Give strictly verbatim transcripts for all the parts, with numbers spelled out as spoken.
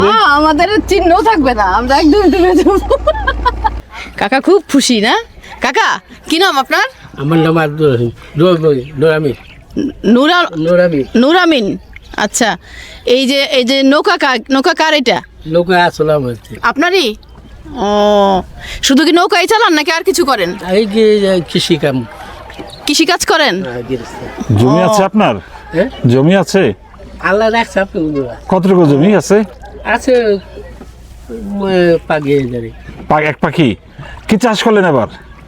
আমাদের চিহ্ন থাকবে না, আমরা একদম ডুবে যাব। কাকা খুব খুশি না? কাকা কি নাম আপনার? আমার নাম নুরামিন। নুরা নুরামিন নুরামিন। আচ্ছা, এই যে এই যে নৌকা কা- নৌকা কার এটা? নৌকা আসলাম হচ্ছে আপনারই? ও, শুধু কি নৌকাই চালান নাকি আর কিছু করেন? এই যে কৃষি কাম। কৃষি কাজ করেন? জমি আছে আপনার? হ্যাঁ, জমি আছে? আল্লাহ রাখছে আপনি কতটুকু জমি আছে? আছে পাগিয়ে যাবে। পা- এক পাখি কি চাষ করলেন এবার?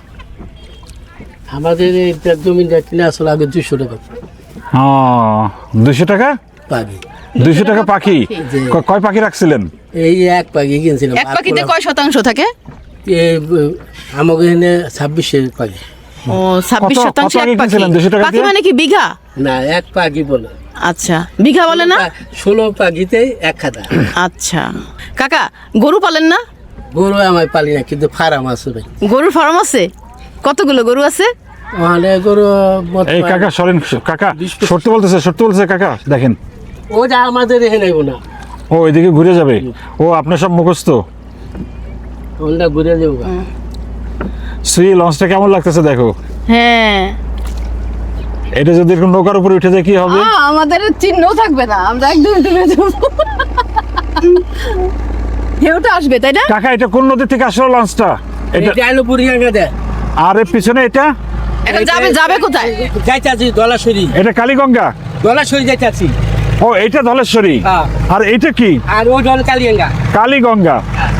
আমাদের এটা জমিটা কিনে আসলে আগে দুশো টাকা হ্যাঁ, দুইশো টাকা পাগি। দুইশো টাকা পাখি। জি। ক- কয় পাখি রাখছিলেন? এই এক পাগি কিনছিলাম। এক পাখিতে কয় শতাংশ থাকে? আমাকে এখানে ছাব্বিশের পাগি। ও, ছাব্বিশ কত- শতাংশ কত এক আগে পাখি। কিনছিলেন দুইশো টাকা পাখি দিয়ে? মানে কি বিঘা? না, এক পাগি বলে। আচ্ছা, বিঘা বলে না? ষোলো পাগিতে এক খাতা। আচ্ছা কাকা, গরু পালেন না? গরু আমার পালি না, কিন্তু ফার্ম আছে ভাই। গরুর ফার্ম আছে? কতগুলো গরু আছে? ওখানে গরু এই বর্তমানে- কাকা সরেন, কাকা সত্যি বলতেছে, সত্যি বলতেছে কাকা। দেখেন ওটা আমাদের এখানে না, ও এদিকে ঘুরে যাবে। ও আপনার সব মুখস্থ। ওটা ঘুরে যাবো। শ্রী লঞ্চটা কেমন লাগতেছে দেখো। হ্যাঁ, এটা যদি এরকম নৌকার উপরে উঠে যায় কি হবে? আমাদের চিহ্ন থাকবে না, আমরা একদম ডুবে যাব। ঢেউটা আসবে তাই না? কাকা এটা কোন নদী থেকে আসলো লঞ্চটা? এটা এটা আলো বুড়িয়াঙ্গা দেয়। আর এর পিছনে এটা এখন যাবে যাবে কোথায়? যাইতাছি দলাশরী। এটা কালীগঙ্গা। দলাশরী যাইতাছি। ও এটা ধলেশ্বরী। হ্যাঁ। আর এটা কি? আর ওই জল কালিয়াঙ্গা। কালীগঙ্গা।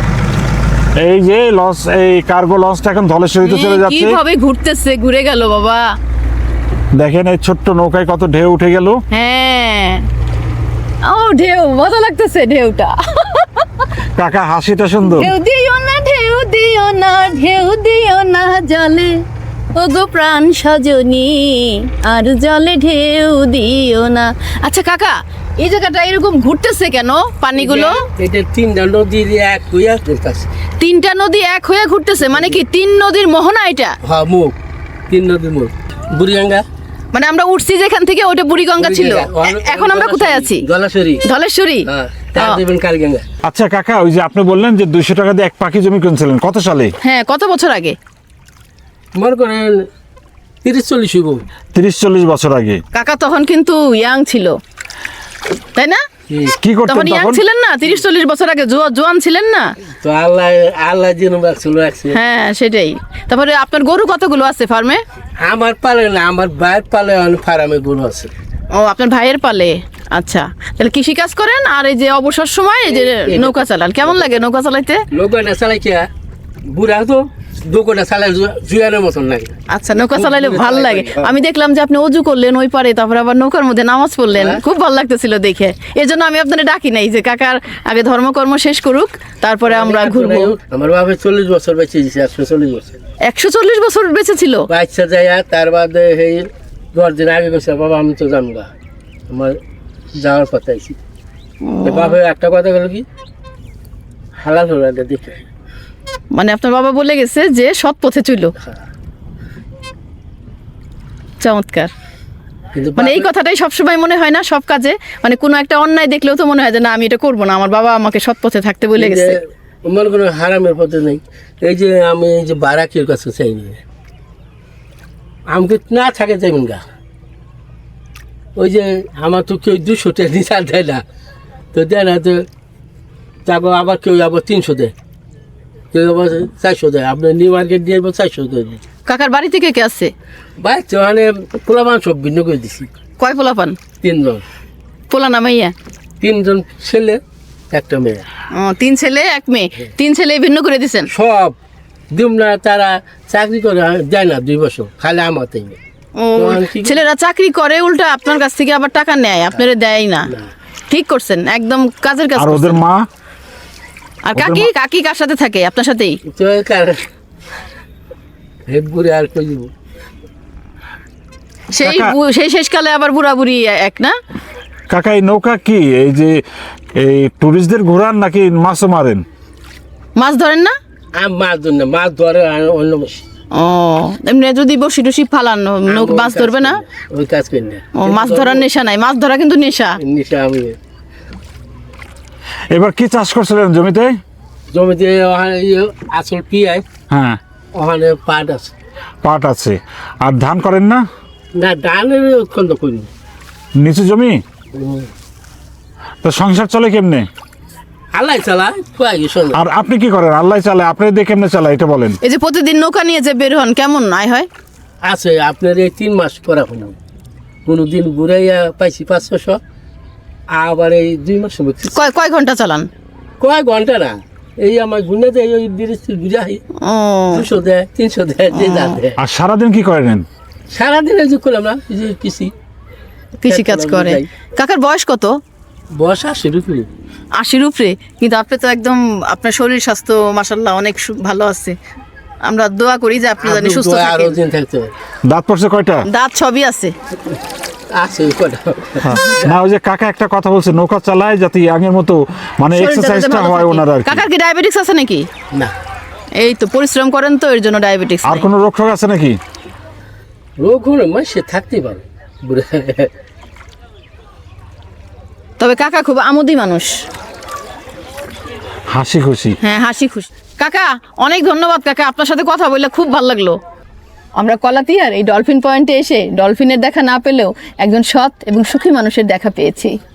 এই যে লঞ্চ, এই কার্গো লঞ্চটা এখন ধলেশ্বরীতে চলে যাচ্ছে। কিভাবে ঘুরতেছে, ঘুরে গেল বাবা। দেখেন এই ছোট্ট নৌকায় কত ঢেউ উঠে গেল। হ্যাঁ, ও ঢেউ, মজা লাগতেছে ঢেউটা। কাকা হাসিটা সুন্দর। ঢেউ দিও না, ঢেউ দিও না, ঢেউ দিও না জলে, ওগো প্রাণ সজনী, আর জলে ঢেউ দিও না। আচ্ছা কাকা, এই জায়গাটা এরকম ঘুরতেছে কেন পানিগুলো? এটা তিনটা নদীর এক হইয়া ঘুরতাছে। তিনটা নদী এক হয়ে ঘুরতেছে মানে কি তিন নদীর মোহনা এটা? হ্যাঁ, মুখ তিন নদীর মুখ। বুড়িয়াঙ্গা মানে আমরা উঠছি যেখান থেকে ওটা বুড়িগঙ্গা ছিল, এ- এখন আমরা কোথায় আছি? দলাশরী। ধলেশ্বরী। হ্যাঁ, তার ও, দেবেন কালিয়াঙ্গা। আচ্ছা কাকা, ওই যে আপনি বললেন যে দুইশো টাকা দিয়ে এক পাখি জমি কিনছিলেন, কত সালে? হ্যাঁ, কত বছর আগে? মনে করেন তিরিশ চল্লিশ হইব। তিরিশ চল্লিশ বছর আগে। কাকা তখন কিন্তু ইয়াং ছিল, তাই না? কি করতেন তখন ইয়াং তখন? ছিলেন না, তিরিশ চল্লিশ বছর আগে জোয়া- জোয়ান ছিলেন না? তো আল্লাহ আল্লাহ যেন রাখছিল রাখছে। হ্যাঁ সেটাই। তারপরে আপনার গরু কতগুলো আছে ফার্মে? আমার পালে না, আমার ভাইয়ের পালে ফার্মে গরু আছে। ও, আপনার ভাইয়ের পালে। আচ্ছা, তাহলে কৃষি কাজ করেন আর এই যে অবসর সময় এই যে নৌকা চালান। কেমন লাগে নৌকা চালাইতে? নৌকাটা চালাই কে বুড়া তো দোকানটা চালাই জুয়ানের মতন লাগে। আচ্ছা, নৌকা চালাইলে ভালো লাগে। আমি দেখলাম যে আপনি অজু করলেন ওই পারে, তারপরে আবার নৌকার মধ্যে নামাজ পড়লেন, খুব ভালো লাগতেছিল দেখে। এই জন্য আমি আপনাদের ডাকি নাই যে কাকার আগে ধর্মকর্ম শেষ করুক, তারপরে আমরা ঘুরবো। আমার বাবা চল্লিশ বছর বেঁচে দিয়েছে, একশো চল্লিশ বছর একশো চল্লিশ বছর বেঁচে ছিল? বাচ্চা যায়। তার বাদে এই দশ দিন আগে গেছে, বাবা আমি তো জানবো না, আমার যাওয়ার কথা আইছি। বাবা একটা কথা গেল কি, হালাল হলো এটা দেখে। মানে আপনার বাবা বলে গেছে যে সৎ পথে চলো। চমৎকার। কিন্তু মানে এই কথাটাই সবসময় মনে হয় না সব কাজে, মানে কোনো একটা অন্যায় দেখলেও তো মনে হয় যে না আমি এটা করবো না, আমার বাবা আমাকে সৎ পথে থাকতে বলে গেছে। মনে কোনো হারামের পথে নেই। এই যে আমি এই যে বারাকের কাছে চাই আমাকে না থাকে যাইবেন গা। ওই যে আমার তো কেউ দুশো টাকা নিচা দেয় না, তো দেয় না, তো তারপর আবার কেউ আবার তিনশো দেয়, কেউ আবার চারশো দেয়। আপনার নিউ মার্কেট দিয়ে চারশো দেয়। কাকার বাড়ি থেকে কে আছে? বাচ্চা মানে পোলাপান সব ভিন্ন করে দিছি। কয় পোলা পান? তিনজন। পোলা না মাইয়া? তিনজন ছেলে একটা মেয়ে। ও, তিন ছেলে এক মেয়ে। তিন ছেলে ভিন্ন করে দিছেন? সব দিম না, তারা চাকরি করে যায় না দুই বছর, খালি আমাতেই। ও, ছেলেরা চাকরি করে উল্টা আপনার কাছ থেকে আবার টাকা নেয়, আপনারা দেয় না। ঠিক করছেন, একদম কাজের কাজ আর ওদের করছেন। মা? আর কাকি? কাকি কার সাথে থাকে? আপনার সাথেই? তো কার- হে বুড়ি আর কই দিব। সেই কাকা- বু- সেই শেষকালে আবার বুড়া বুড়ি এক না? কাকা এই নৌকা কি এই যে এই টুরিস্টদের ঘোরান নাকি মাছও মারেন? মাছ ধরেন না? আমি মাছ ধরি না, মাছ ধরে আর অন্য মাছ। ও, এমনি যদি বসি টসি ফালান নৌকা মাছ ধরবে না? ওই কাজ করি না। ও, মাছ ধরার নেশা নাই? মাছ ধরা কিন্তু নেশা। নিশা আমি এবার কি চাষ করছিলেন জমিতে? জমিতে ওখানে ইয়ে আসল পিয়াই, হ্যাঁ, ওখানে পাট আছে। পাট আছে। আর ধান করেন না? না, ধানের উৎখণ্ড করি। নিচু জমি, তো সংসার চলে কেমনে? আল্লাহ চালায়, খুয়াই গেছে। আর আপনি কি করেন? আল্লাহ চালায়, আপনি দিয়ে কেমনে চালায় এটা বলেন। এই যে প্রতিদিন নৌকা নিয়ে যে বের হন, কেমন আয় হয়? আছে আপনার এই তিন মাস করা হলো, কোনো দিন ঘুরাইয়া পাইছি পাঁচ ছশো, আবার এই দুই মাস সময় কয় কয় ঘন্টা চালান? কয় ঘন্টা না, এই আমার গুনে দেয় ওই বিরিশ বুঝাই, ও দুশো দেয়, তিনশো দেয়, যে যা দেয়। আর সারাদিন কি করেন? সারাদিন এই যে করলাম না, এই যে কৃষি কৃষি কাজ করে। কাকার বয়স কত? বয়স আশির উপরে। আশির উপরে? কিন্তু আপনি তো একদম, আপনার শরীর স্বাস্থ্য মাশাআল্লাহ অনেক সু- ভালো আছে। আমরা দোয়া করি যে আপনি জানি সুস্থ আরো থাকেন। দিন থাকতে হবে। দাঁত পড়ছে কয়টা? দাঁত সবই আছে। আছে কটা। না, ওই যে কাকা একটা কথা বলছে, নৌকা চালায় যাতে ইয়াংয়ের মতো মানে শরীরটা যাতে এক্সারসাইজটা ভালো হয় থাকে। ওনার আর কি। কাকার কি ডায়াবেটিস আছে নাকি? না, এই তো পরিশ্রম করেন তো এর জন্য ডায়াবেটিস। আর কোনো রোগ টোগ আছে নাকি? রোগ হলে মানে সে থাকতেই পারে বুড়া। তবে কাকা খুব আমোদি মানুষ, হাসি খুশি। হ্যাঁ হাসি খুশি। কাকা অনেক ধন্যবাদ কাকা, আপনার সাথে কথা বললে খুব ভালো লাগলো। আমরা কলাতিয়ার এই ডলফিন পয়েন্টে এসে ডলফিনের দেখা না পেলেও একজন সৎ এবং সুখী মানুষের দেখা পেয়েছি।